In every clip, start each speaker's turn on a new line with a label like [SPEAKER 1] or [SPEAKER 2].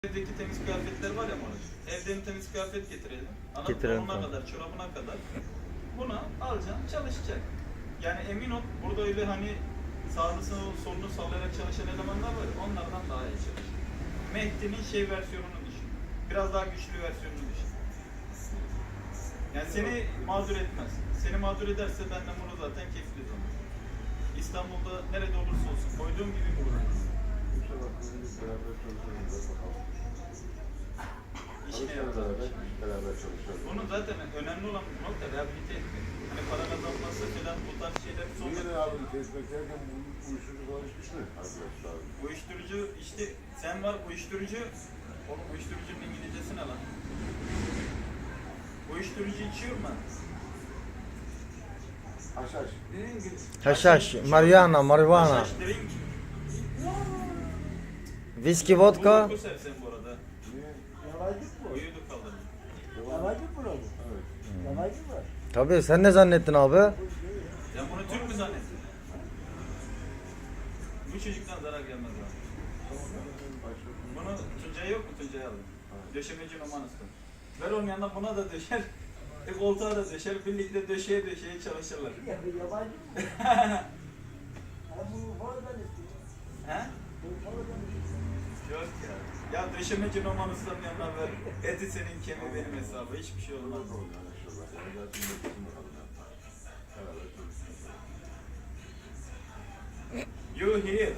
[SPEAKER 1] Evdeki temiz kıyafetler var ya moruk. Evden temiz kıyafet getirelim.
[SPEAKER 2] Getirelim,
[SPEAKER 1] Donuna kadar, çorabına kadar. Buna alacaksın, çalışacak. Yani emin ol, burada öyle hani sağını solunu sallayarak çalışan elemanlar var ya, onlardan daha iyi çalışır. Mehdi'nin versiyonunu düşün. Biraz daha güçlü versiyonunu düşün. Yani seni mağdur etmez. Seni mağdur ederse benden bunu zaten kefiliz onu. İstanbul'da nerede olursa olsun koyduğum gibi vururuz. İşine yapalım.
[SPEAKER 3] Beraber çalışalım.
[SPEAKER 1] Bunun zaten önemli olan nokta rehabilite etmek. Hani para kazanması falan bu tarz şeyler son.
[SPEAKER 3] Niye rehabilite etmek derken uyuşturucu falan içmiş mi arkadaşlar?
[SPEAKER 1] Uyuşturucu işte sen var uyuşturucu. Oğlum uyuşturucunun İngilizcesi ne lan? Uyuşturucu içiyor mu?
[SPEAKER 3] Haşhaş.
[SPEAKER 2] Haşhaş, marihuana, marihuana.
[SPEAKER 1] Haşhaş drink.
[SPEAKER 2] Viski, vodka.
[SPEAKER 1] Uyku sevsen bu arada.
[SPEAKER 3] Niye?
[SPEAKER 4] Yalancık mı?
[SPEAKER 1] Uyudu kaldırdı.
[SPEAKER 4] Yalancık mı bu?
[SPEAKER 3] Evet.
[SPEAKER 4] Yalancık mı?
[SPEAKER 2] Tabii sen ne zannettin abi?
[SPEAKER 1] Ya bunu Türk mü zannettin? Bu çocuktan zarar gelmez abi. Bunu Tuncay yok mu? Tuncay alın. Döşemeci Numan Usta. Ver onun yanına buna da döşer. Koltuğa da döşer. Birlikte döşeye çalışırlar.
[SPEAKER 4] Ya bu yabancı mı? Ha bu oradan istiyor.
[SPEAKER 1] He?
[SPEAKER 4] Bu oradan istiyor.
[SPEAKER 1] Yok ya. Ya döşemeci Numan Usta'nın yanına ver. Eti senin, kemiği benim hesabı. Hiçbir şey olmaz. You here.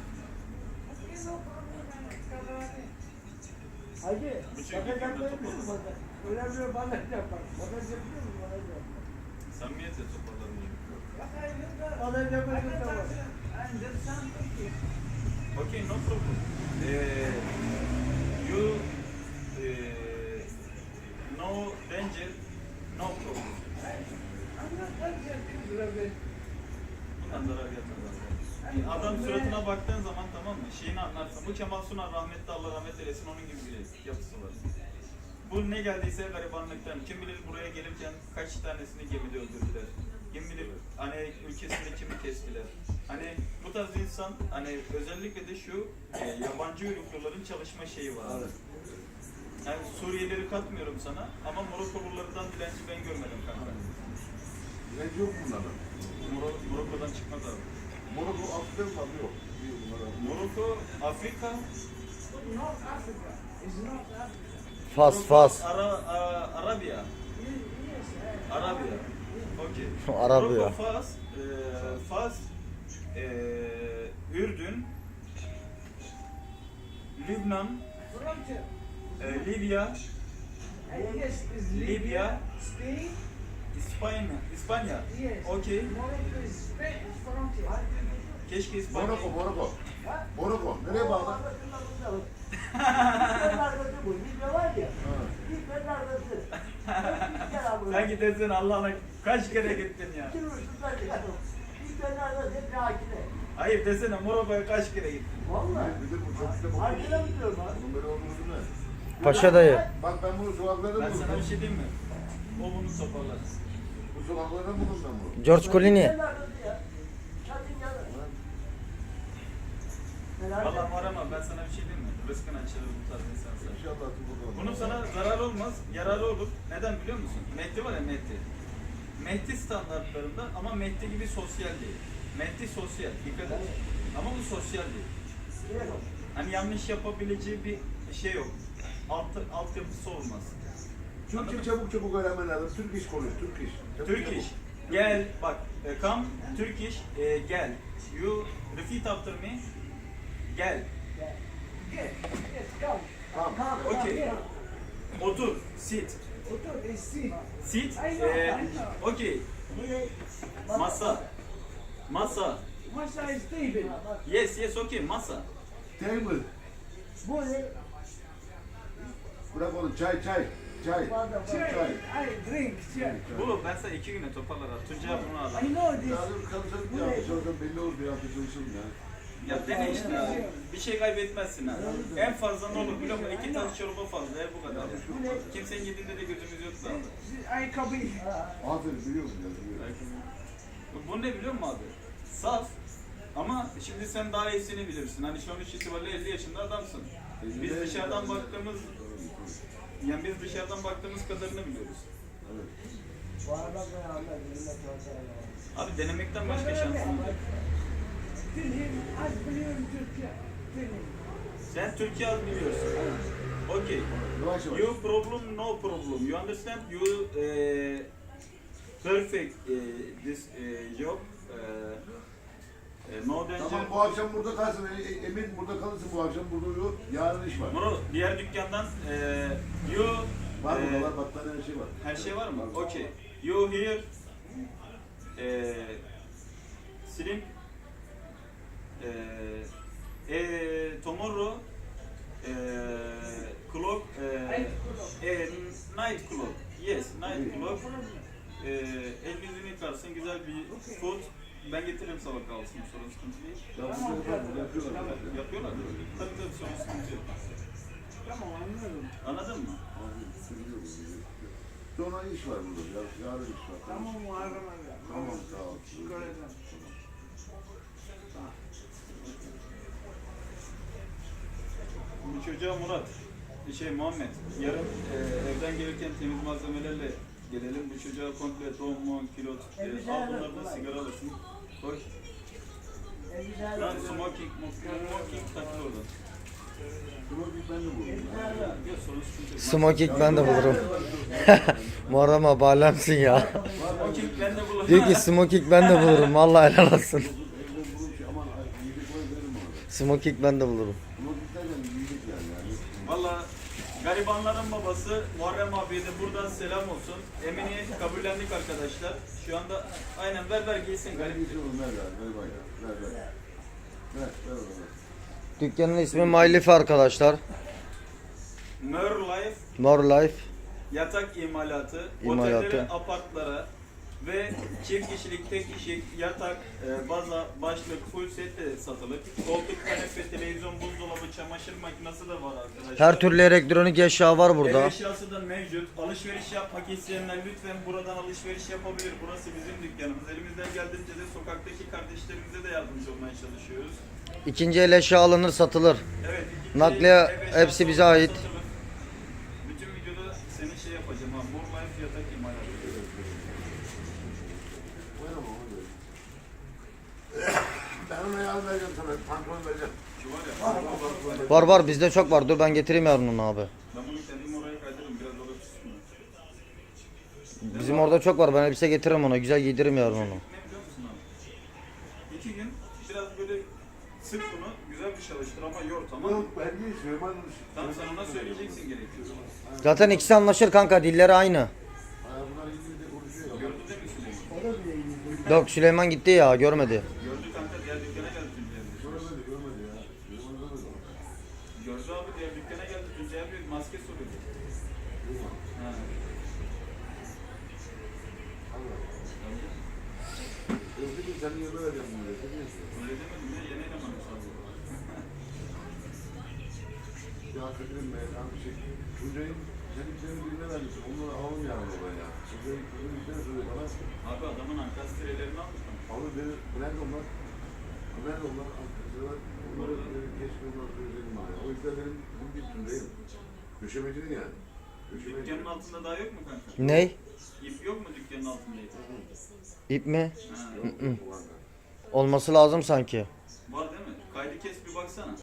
[SPEAKER 4] Hacı,
[SPEAKER 1] Bu çocuk
[SPEAKER 4] bakacak
[SPEAKER 1] yanında
[SPEAKER 4] mı misin
[SPEAKER 1] topladı.
[SPEAKER 4] bana? Önemli bana yapar. Bakacak biliyor musun bana yapar?
[SPEAKER 1] Samimiyetle toparlarım.
[SPEAKER 4] Bana yapacak da var.
[SPEAKER 1] Okay, no problem. You no danger, no problem. Bundan zarar gelmez abi. Adam suratına baktığın zaman tamam mı? Şeyini anlarsın. Bu Kemal Sunal rahmetli Allah rahmet eylesin onun gibi bir yapısı var. Bu ne geldiyse garibanlıktan. Kim bilir buraya gelirken kaç tanesini gemide öldürdüler. Kim bilir hani ülkesinde kimi kestiler. Hani bu tarz insan hani özellikle de şu yabancı uyrukluların çalışma şeyi var. Yani Suriyelileri katmıyorum sana ama Morokolulardan dilenci ben görmedim kanka.
[SPEAKER 3] Dilenci yok bunların.
[SPEAKER 1] Morokko'dan çıkmaz abi.
[SPEAKER 3] Morocco Afrika'da mı var? Yok. Değil bunlar.
[SPEAKER 1] Morokko, Afrika,
[SPEAKER 2] Fas.
[SPEAKER 1] Arabiya. Arabiya. Okey.
[SPEAKER 2] Arabiya.
[SPEAKER 1] Morokko, Fas, Ürdün, Lübnan, Libya, İspanya. Okey. Keşke İspanya.
[SPEAKER 3] Morocco. Nereye bağlı?
[SPEAKER 4] Libya narkosu bu. Libya var ya. Libya narkosu.
[SPEAKER 1] Sen gidersin Allah'ına kaç kere gittin ya?
[SPEAKER 4] Libya narkosu hep hakine.
[SPEAKER 1] Hayır desene Morokko'ya kaç kere gittin?
[SPEAKER 4] Valla.
[SPEAKER 3] Bir de bu çok kitap okuyor.
[SPEAKER 4] Hakine mi diyorum abi?
[SPEAKER 3] Bunun böyle olduğunu ne?
[SPEAKER 2] Paşa dayı.
[SPEAKER 3] Bak ben bunu sokaklarda
[SPEAKER 1] Ben sana bir
[SPEAKER 3] buldum.
[SPEAKER 1] şey diyeyim mi? O bunu toparlar.
[SPEAKER 3] Bu sokaklarda buldum ben bunu.
[SPEAKER 2] George Clooney.
[SPEAKER 4] Libya narkosu ya. Çatın yanı.
[SPEAKER 1] Valla arama ben sana bir şey diyeyim mi? Rızkın açılır bu tarz insanlar.
[SPEAKER 3] İnşallah bakalım.
[SPEAKER 1] Bunun sana zararı olmaz, yararı olur. Neden biliyor musun? Mehdi var ya Mehdi. Mehdi standartlarında ama Mehdi gibi sosyal değil. Mehdi sosyal, dikkat et. Ama bu sosyal değil. Hani yanlış yapabileceği bir şey yok. Altyapısı olmaz.
[SPEAKER 3] Türkçe çabuk öğrenmen lazım. Türk iş konuş, Türk iş.
[SPEAKER 1] Türk iş. Gel bak. Come Türk iş. Gel. You repeat after me. Gel.
[SPEAKER 3] Tamam.
[SPEAKER 1] Okay. Otur. Sit. Sit. Okay. Masa. Yes, okay. Masa.
[SPEAKER 3] Table.
[SPEAKER 4] Bu ne?
[SPEAKER 3] Bırak onu. Çay.
[SPEAKER 1] Bu ben sana 2 güne toparlarım. Tuncay bunu al.
[SPEAKER 3] Yardım kalacak bir hafta çalışalım. Belli olur bir hafta çalışalım ya.
[SPEAKER 1] Ya dene işte abi. Bir şey kaybetmezsin ha. En fazla ne olur biliyor musun? 2 tane çorba fazla. Bu kadar. Kimsenin yediğinde de gözümüz yok zaten.
[SPEAKER 3] Aferin biliyor musun ya? Biliyorum.
[SPEAKER 1] Bu ne biliyor musun abi? Saf. Ama şimdi sen daha iyisini bilirsin. Hani sonuç itibariyle 50 yaşında adamsın. Biz dışarıdan baktığımız, yani biz dışarıdan baktığımız kadarını biliyoruz.
[SPEAKER 3] Evet.
[SPEAKER 4] Bu arada ben anlar. Yürüme transfer
[SPEAKER 1] Abi denemekten başka şansın yok.
[SPEAKER 5] Film az biliyorum Türkçe. Film.
[SPEAKER 1] Sen Türkiye az biliyorsun. Okay.
[SPEAKER 3] Yavaş yavaş.
[SPEAKER 1] You problem, no problem. You understand? You perfect this job. No danger.
[SPEAKER 3] Tamam bu akşam burada kalsın. Emin burada kalırsın bu akşam burada uyuyor. Yarın iş var.
[SPEAKER 1] Muro, diğer dükkandan you
[SPEAKER 3] Var burada var battaniye her şey var.
[SPEAKER 1] her şey var mı? Okay. You here sleep tomorrow clock night clock. Yes, night clock. El yüzünü yıkarsın, güzel bir food. Ben getiririm sabah kahvaltısını, sorun sıkıntı değil.
[SPEAKER 3] Ya burada yapıyorlar.
[SPEAKER 1] Yapıyorlar değil mi? Tabii tabii, sorun sıkıntı yok.
[SPEAKER 5] Tamam anladım.
[SPEAKER 1] Anladın mı?
[SPEAKER 3] Sonra iş var burada. Yarın iş var.
[SPEAKER 5] Tamam Muharrem abi.
[SPEAKER 3] Tamam sağ ol.
[SPEAKER 5] Şükür ederim.
[SPEAKER 1] Bu çocuğa Murat, Muhammed, yarın evden gelirken temiz malzemelerle gelelim. Bu çocuğa komple don, mon, kilot, al bunları da sigara alırsın. Koy. Lan smoking taktı orada.
[SPEAKER 3] Smoking ben de buldum.
[SPEAKER 1] Yok, sorun sıkıntı yok.
[SPEAKER 2] Smoking ben de bulurum. Muharrem abi alemsin ya.
[SPEAKER 1] Smoking ben de bulurum.
[SPEAKER 2] Diyor ki smoking ben de bulurum. Vallahi helal olsun.
[SPEAKER 3] Evden bulmuş aman yiyecek var verim ona.
[SPEAKER 2] Smoking ben de bulurum.
[SPEAKER 3] Smoking derken yiyecek yani.
[SPEAKER 1] Valla garibanların babası Muharrem abiye de buradan selam olsun. Emin'i kabullendik arkadaşlar. Şu anda aynen ver giysin garip.
[SPEAKER 3] Bir şey oğlum ver bana ya. Ver ona.
[SPEAKER 2] Dükkanın ismi My Life arkadaşlar.
[SPEAKER 1] Mer Life
[SPEAKER 2] More Life.
[SPEAKER 1] yatak imalatı,
[SPEAKER 2] İmalatı.
[SPEAKER 1] otellere, apartlara ve çift kişilik, tek kişilik yatak, baza, başlık, full set de satılır. Koltuk, kanepe, televizyon, buzdolabı, çamaşır makinesi de var arkadaşlar.
[SPEAKER 2] Her türlü elektronik eşya var
[SPEAKER 1] Ev
[SPEAKER 2] burada.
[SPEAKER 1] eşyası da mevcut. Alışveriş yapmak isteyenler lütfen buradan alışveriş yapabilir. Burası bizim dükkanımız. Elimizden geldiğince de sokaktaki kardeşlerimize de yardımcı olmaya çalışıyoruz.
[SPEAKER 2] İkinci el eşya alınır satılır.
[SPEAKER 1] Evet. ikinci
[SPEAKER 2] Nakliye
[SPEAKER 1] ev eşyası
[SPEAKER 2] hepsi bize ait.
[SPEAKER 1] satılır. Bütün videoda senin şey yapacağım ha. More Life yatak imalatı.
[SPEAKER 3] Ver ama onu ver. Ben ona yarın vereceğim sana. Pantolon vereceğim.
[SPEAKER 1] Şu var ya.
[SPEAKER 2] Var bizde çok var. Dur ben getireyim yarın onu abi.
[SPEAKER 1] Ben bunu kendim oraya kaydırırım. Biraz orada tutsun.
[SPEAKER 2] Bizim orada çok var. Ben elbise getiririm ona. Güzel giydiririm yarın onu.
[SPEAKER 1] Ne biliyor musun abi? 2 gün biraz böyle sık bunu. Güzel bir çalıştır ama yor, tamam mı?
[SPEAKER 3] Yok ben değil Süleyman.
[SPEAKER 1] Tamam, sen ona söyleyeceksin gerekiyor.
[SPEAKER 2] Zaten ikisi anlaşır kanka. Dilleri aynı.
[SPEAKER 3] Bunlar İngilizce konuşuyor ya.
[SPEAKER 1] Gördü değil mi Süleyman?
[SPEAKER 4] O da bile iyi.
[SPEAKER 2] Yok Süleyman gitti ya. Görmedi.
[SPEAKER 1] Gördü kanka, diğer dükkana geldi Tuncay abi.
[SPEAKER 3] Görmedi ya. Süleyman görmedi ama.
[SPEAKER 1] Gördü abi, diğer dükkana geldi Tuncay abi, maske soruyordu. Ha.
[SPEAKER 3] Özgür'üm senin yerine vereceğim bunu. Ne diyorsun?
[SPEAKER 1] Öyle demedim ya, yeni elemanım abi.
[SPEAKER 3] Ya Kadir'im ben abi Tuncay'ın senin birine vermişsin. Onları alalım yani baba ya. Tuncay'ın bir tane söyle bana.
[SPEAKER 1] Abi adamın ankastrelerini almış mı?
[SPEAKER 3] Abi beni nerede onlar? Nerede onlar? Arkadaşlar onları keşke onları söyleyelim bana. O yüzden benim bir Tuncay'ım. Döşemecinin yani.
[SPEAKER 1] Dükkanın altında daha yok mu kanka?
[SPEAKER 2] Ney?
[SPEAKER 1] İp yok mu dükkanın altında ip?
[SPEAKER 2] İp mi?
[SPEAKER 1] Ha.
[SPEAKER 3] Yok, yok, var.
[SPEAKER 2] Olması lazım sanki.
[SPEAKER 1] Var değil mi? Kaydı kes bir baksana.